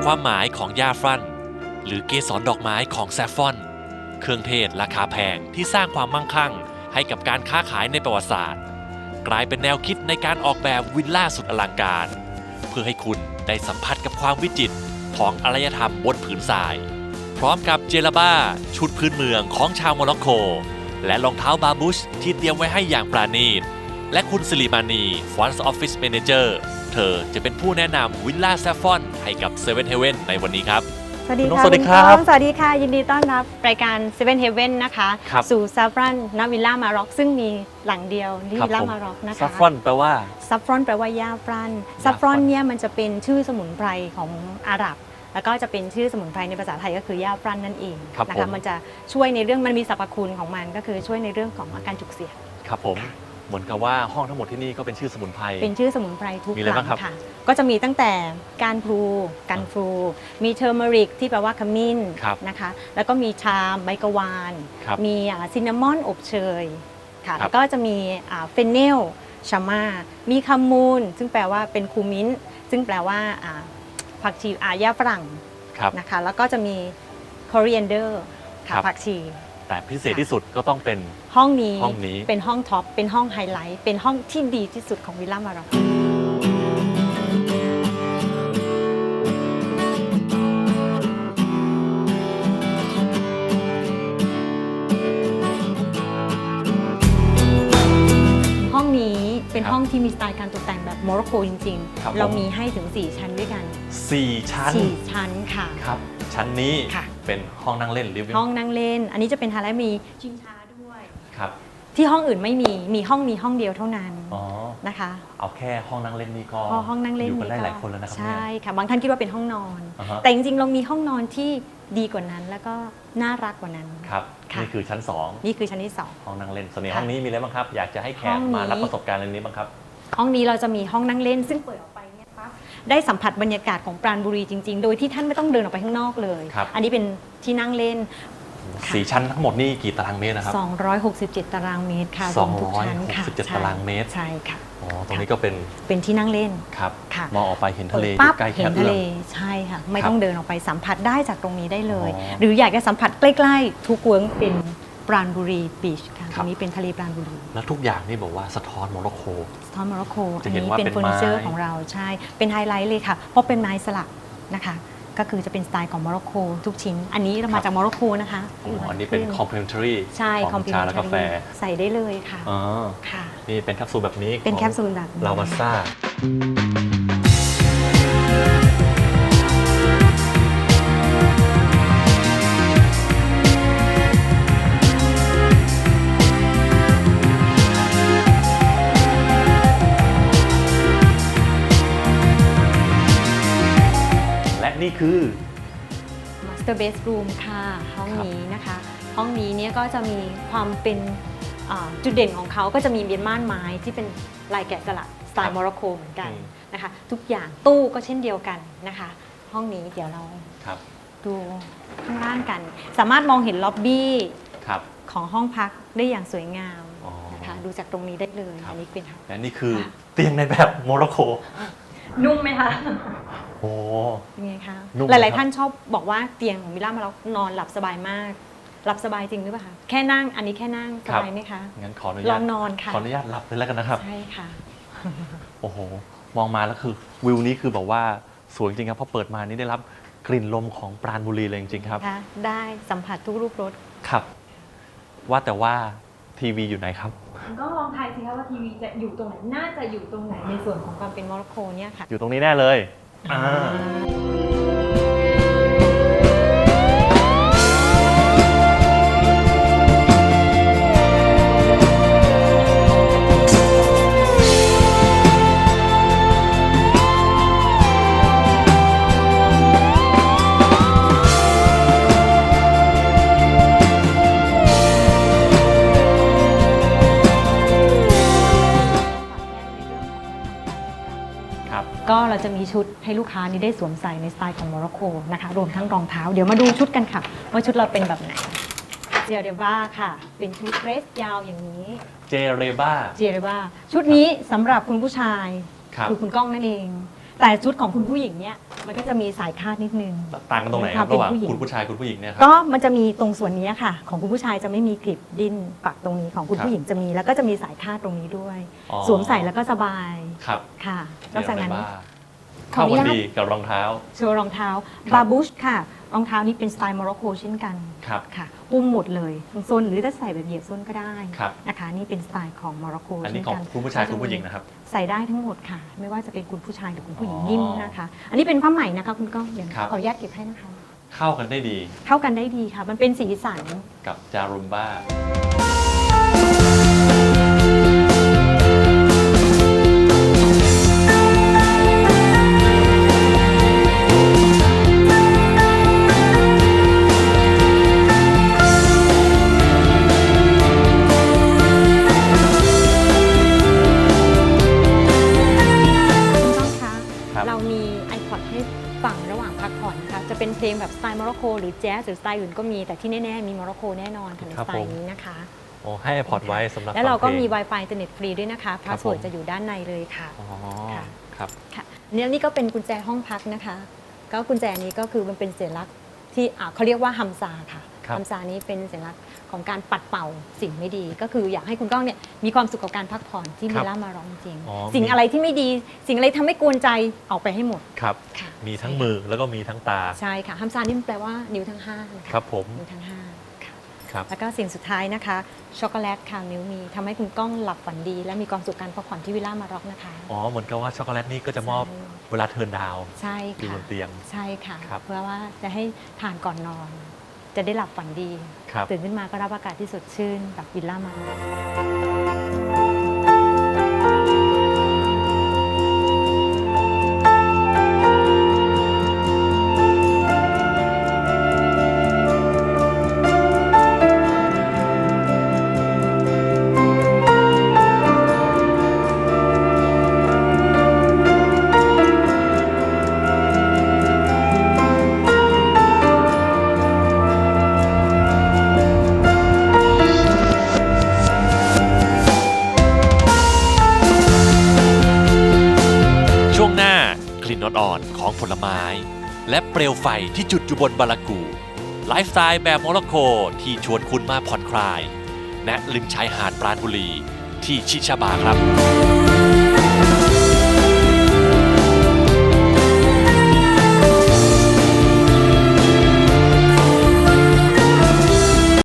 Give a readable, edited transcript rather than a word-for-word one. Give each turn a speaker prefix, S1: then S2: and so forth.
S1: ความหมายของหญ้าฟรันหรือเกสรดอกไม้ของแซฟฟอนเครื่องเทศราคาแพงที่สร้างความมั่งคั่งให้กับการค้าขายในประวัติศาสตร์กลายเป็นแนวคิดในการออกแบบวิลล่าสุดอลังการเพื่อให้คุณได้สัมผัสกับความวิจิตรของอารยธรรมบนผืนทรายพร้อมกับเจลาบ้าชุดพื้นเมืองของชาวโมร็อกโกและรองเท้าบาบูชที่เตรียมไว้ให้อย่างปราณีตและคุณสิริมานี Front Office Manager เธอจะเป็นผู้แนะนำวิลล่าแซฟฟอนให้กับเซเว่นเฮเว่นในวันนี้ครับ
S2: สวัสดีค่ะ
S1: สวัสดีครับ
S2: สวัสดีค่ะยินดีต้อนรับรายการ Seven Heaven นะคะสู่ซัฟฟรอนณวิลล่ามาร็อกซึ่งมีหลังเดียวที่วิลล่ามาร็อกนะคะ
S1: ซัฟฟอนแปลว่า
S2: ซัฟฟรอนแปลว่าหญ้าฟรันซัฟฟรอนเนี่ยมันจะเป็นชื่อสมุนไพรของอาหรับแล้วก็จะเป็นชื่อสมุนไพรในภาษาไทยก็คือหญ้าฟรันนั่นเองนะคะมันจะช่วยในเรื่องมันมีสรรพคุณของมันก็คือช่วยในเรื่องของอาการจุกเสียด
S1: ครับผมเหมือนกับว่าห้องทั้งหมดที่นี่ก็เป็นชื่อสมุนไพร
S2: เป็นชื่อสมุนไพรทุก
S1: มีอะไรบ้างครับ
S2: ค่ะก็จะมีตั้งแต่การพลูกันฟลูมีเทอร์เมริกที่แปลว่าขมิ้นนะคะแล้วก็มีชามใบกวานมีซินนามอนอบเชยค่ะแล้วก็จะมีเฟนเนลชาม่ามีคามูนซึ่งแปลว่าเป็นคูมิ้นซึ่งแปลว่าผักชีหญ้าฝรั่งนะคะแล้วก็จะมีคอเรียนเดอร์ค่ะผักชี
S1: แต่พิเศษที่สุดก็ต้องเป็น
S2: ห้องนี้เป็นห้องท็อปเป็นห้องไฮไลท์เป็นห้องที่ดีที่สุดของวิลล่ามาร็อกห้องนี้เป็นห้องที่มีสไตล์การตกแต่งแบบโมร็อกโกจริงๆเรามีให้ถึง4ชั้นด้วยกัน
S1: 4ชั้น
S2: ค่ะ
S1: ครับชั้นนี้เป็นห้องนั่งเล่นลิฟวิ่ง
S2: ห้องนั่งเล่นอันนี้จะเป็นไฮไลท์มีชิงช้าด้วย
S1: ครับ
S2: ที่ห้องอื่นไม่มีห้องนี้ห้องเดียวเท่านั้นนะคะ
S1: เอาแค่ห้องนั่งเล่นนี่ก็
S2: ห้องนั่งเล่น
S1: อยู่กันได้หลายคนแล้วนะครับ
S2: ใช่ค่ะบางท่านคิดว่าเป็นห้องนอนแต่จริงๆเรามีห้องนอนที่ดีกว่านั้นแล้วก็น่ารักกว่านั้น
S1: ครับนี่คือชั้น2
S2: นี่คือชั้นที่2
S1: ห้องนั่งเล่นส่วนในห้องนี้มีอะไรบ้างครับอยากจะให้แขกมารับประสบการณ์เรื่องนี้บ้างครับ
S2: ห้องนี้เราจะมีห้องนั่งเล่นซึ่งเปิดออกไปเนี่ยปั๊บได้สัมผัสบรรยากาศของปราณบุรีจริงๆโดยที่ท่านไม่ต้องเดินออกไปข้างนอกเลยอันนี้เป็นที่นั่งเล่น
S1: 4ชั้นทั้งหมดนี่กี่ตารางเมตรนะครับ
S2: 267ตารางเมตรค่ะ
S1: 267ตารางเมตร
S2: ใช่ค่ะ
S1: ตรงนี้ก็เป็น
S2: ที่นั่งเล่น
S1: ครับมองออกไปเห็นทะเลใกล้แค่
S2: ทะเลใช่ค่ะไม่ต้องเดินออกไปสัมผัสได้จากตรงนี้ได้เลยหรืออยากจะสัมผัสใกล้ๆทุกเวิร์กเป็นปราณบุรีบีชค่ะตรงนี้เป็นทะเลปราณบุรี
S1: แล้วทุกอย่างนี่บอกว่าสะท้อนโมร็อกโก
S2: อันนี้เป็นเฟอร์นิเจอร์ของเราใช่เป็นไฮไลท์เลยค่ะเพราะเป็นไม้สลักนะคะก็คือจะเป็นสไตล์ของโมร็อกโกทุกชิ้นอันนี้เรามาจากโมร็อกโกนะคะ
S1: อันนี้เป็น complimentary
S2: ใช่
S1: ของชาและกาแฟ
S2: ใส่ได้เลยค่ะ
S1: ค่ะนี่เป็นแคปซูลแบบนี้
S2: เป็นแคปซูลแบบ
S1: ลาวาซ่านี่คือ
S2: Master Bedroom ค่ะห้องนี้นะคะห้องนี้เนี่ยก็จะมีความเป็นจุดเด่นของเขาก็จะมีม่านไม้ที่เป็นลายแกะสลักสไตล์โมร็อกโกเหมือนกันนะคะทุกอย่างตู้ก็เช่นเดียวกันนะคะห้องนี้เดี๋ยวเราดูข้างล่างกันสามารถมองเห็นล็อบบี้ของห้องพักได้อย่างสวยงามนะคะดูจากตรงนี้ได้เลยอันนี้เป็น
S1: และนี่คือเตียงในแบบโมร็อกโก
S2: นุ่มไหมคะ
S1: โอ้
S2: เป็นไงคะหลายๆท่านชอบบอกว่าเตียงของวิลล่ามาร็อกนอนหลับสบายมากหลับสบายจริงหรือเปล่าคะแค่นั่งอันนี้แค่นั่งสบายไหมคะ
S1: งั้นขออนุญาต
S2: ลองนอนค่ะ
S1: ขออนุญาตหลับเลยแล้วกันนะครับ
S2: ใช่ค่ะ
S1: โอ้โหมองมาแล้วคือวิวนี้คือแบบว่าสวยจริงครับพอเปิดมานี่ได้รับกลิ่นลมของปราณบุรีเลยจริงๆครับ
S2: ได้สัมผัสทุกรูปรส
S1: ครับว่าแต่ว่าทีวีอยู่ไหนครับ
S2: ก็ลองทายสิคะว่าทีวีจะอยู่ตรงไหนน่าจะอยู่ตรงไหนในส่วนของความเป็นโมร็อกโกเนี่ยค่ะ
S1: อยู่ตรงนี้แน่เลย
S2: ก็เราจะมีชุดให้ลูกค้านี้ได้สวมใส่ในสไตล์ของโมร็อกโกนะคะรวมทั้งรองเท้าเดี๋ยวมาดูชุดกันค่ะว่าชุดเราเป็นแบบไหนเจเรบ้าค่ะเป็นชุดเดรสยาวอย่างนี้
S1: เจเรบ้า
S2: ชุดนี้สำหรับคุณผู้ชายคือคุณก้องนั่นเองแต่ชุดของคุณผู้หญิงเนี่ยมันก็จะมีสายคาดนิดนึง
S1: ต่างกันตรงไหนครับ
S2: เป็น
S1: ระหว่าง
S2: ผู้หญิง
S1: คุณผู้ชายคุณผู้หญิงเนี่ยครั
S2: ก็มันจะมีตรงส่วนนี้ค่ะ ของคุณผู้ชายจะไม่มีกริบดิ้นปักตรงนี้ของคุณ
S1: ครับ
S2: ผู้หญิงจะมีแล้วก็จะมีสายคาดตรงนี้ด้วย
S1: อ๋อ
S2: สวมใส่แล้วก็สบาย
S1: ครับ
S2: ค่ะน
S1: เดี๋
S2: อย ก
S1: ว
S2: จาก
S1: ได้
S2: นั้น
S1: ว่า
S2: ขอ
S1: เข้า
S2: อนุ
S1: กัน
S2: ญาต
S1: ดีกับรองเท้า
S2: โชว์รองเท้า
S1: ครับ
S2: บาบูชค่ะ รองเท้านี้เป็นสไตล์โมร็อกโกเช่นกัน
S1: ครับ
S2: ค่ะอุ้มหมดเลยส้นหรือจะใส่แบบเหยียบส้นก็ได้
S1: ครับ
S2: นะคะนี่เป็นสไตล์ของโมร็อกโก
S1: อันนี้
S2: เช่น
S1: ของ
S2: กัน
S1: คุณผู้ชายคุณผู้หญิงนะครับ
S2: ใส่ได้ทั้งหมดค่ะ ไม่ว่าจะเป็นคุณผู้ชายหรือคุณผู้หญิง
S1: อ๋อ
S2: นิ่มนะคะ อันนี้เป็นผ้าไหมนะคะคุณก้องเดี๋ยว
S1: ครับ
S2: ขออนุญาตเก็บให้นะคะ
S1: เข้ากันได้ดี
S2: เข้ากันได้ดีค่ะ มันเป็นสีสัน
S1: กับจารุมบ้า
S2: คุณก้องคะ
S1: ครับ
S2: เรามี iPod ให้ฟังระหว่างพักผ่อนนะคะจะเป็นเพลงแบบสไตล์โมร็อกโกหรือแจ๊สหรือสไตล์อื่นก็มีแต่ที่แน่ๆมีโมร็อกโกแน่นอนค่ะใน
S1: ครั
S2: ส
S1: บ
S2: ไต
S1: ผม
S2: ล์นี้นะคะ
S1: โอ้ให้พอร์ตไว้สำหรับ
S2: แล้วเราก็
S1: ฟังพลง
S2: มี Wi-Fi อินเทอร์เน็ตฟรีด้วยนะคะพาสเวิร์ด
S1: ผม
S2: จะอยู่ด้านในเลยค่ะ
S1: อ๋อ
S2: ค่ะ
S1: ครับ
S2: ค่ะนี่ก็เป็นกุญแจห้องพักนะคะ ก็กุญแจนี้ก็คือมันเป็นสัญลักษณ์ที่เขาเรียกว่าฮัมซาค่ะ
S1: ครับ
S2: ฮัมซานี้เป็นสัญลักษณ์ของการปัดเป่าสิ่งไม่ดี ก็คืออยากให้คุณก้องเนี่ยมีความสุขกับการพักผ่อนที่
S1: ค
S2: เบ
S1: รับ
S2: ลล่ามาร้องจริง
S1: อ๋อ
S2: สิ่งอะไรที่ไม่ดี สิ่งอะไรทำให้กวนใจออกไปให้หมด
S1: ครับ
S2: ค่ะ
S1: มีทั้งมือแล้วก็มีทั้งตา
S2: ใช่ค่ะฮัมซานี่มันแปลว่านิ้วทั้ง5นะะ
S1: ครับผม
S2: นิ้วทั้ง5ค่ะ
S1: ครับ
S2: แล้วก็สิ่งสุดท้ายนะคะช็อกโกแลตค่ะมิวมีทำให้คุณก้องหลับฝันดี และมีความสุขการพักผ่อนที่วิลล่ามาร็อกนะคะ
S1: อ๋อเหมือนกับว่าช็อกโกแลตนี่ก็จะมอบเวลาเทิร์นดาวน์
S2: ใช่
S1: อยู่บ
S2: ค่ะ
S1: นเตียง
S2: ใช่ค่ะ
S1: ครับ
S2: เพื่อว่าจะให้ทานก่อนนอน จะได้หลับฝันดี
S1: ครับ
S2: ตื่นขึ้นมาก็รับอากาศที่สดชื่นแบบวิลล่ามาร็อก
S1: ช่วงหน้ากลิ่นอ่อนๆของผลไม้ และเปลวไฟที่จุดอยู่บนบารากู ไลฟ์สไตล์แบบโมร็อกโกที่ชวนคุณมาผ่อนคลาย ณริมชายหาดปราณบุรี ที่ชิชาบาครับ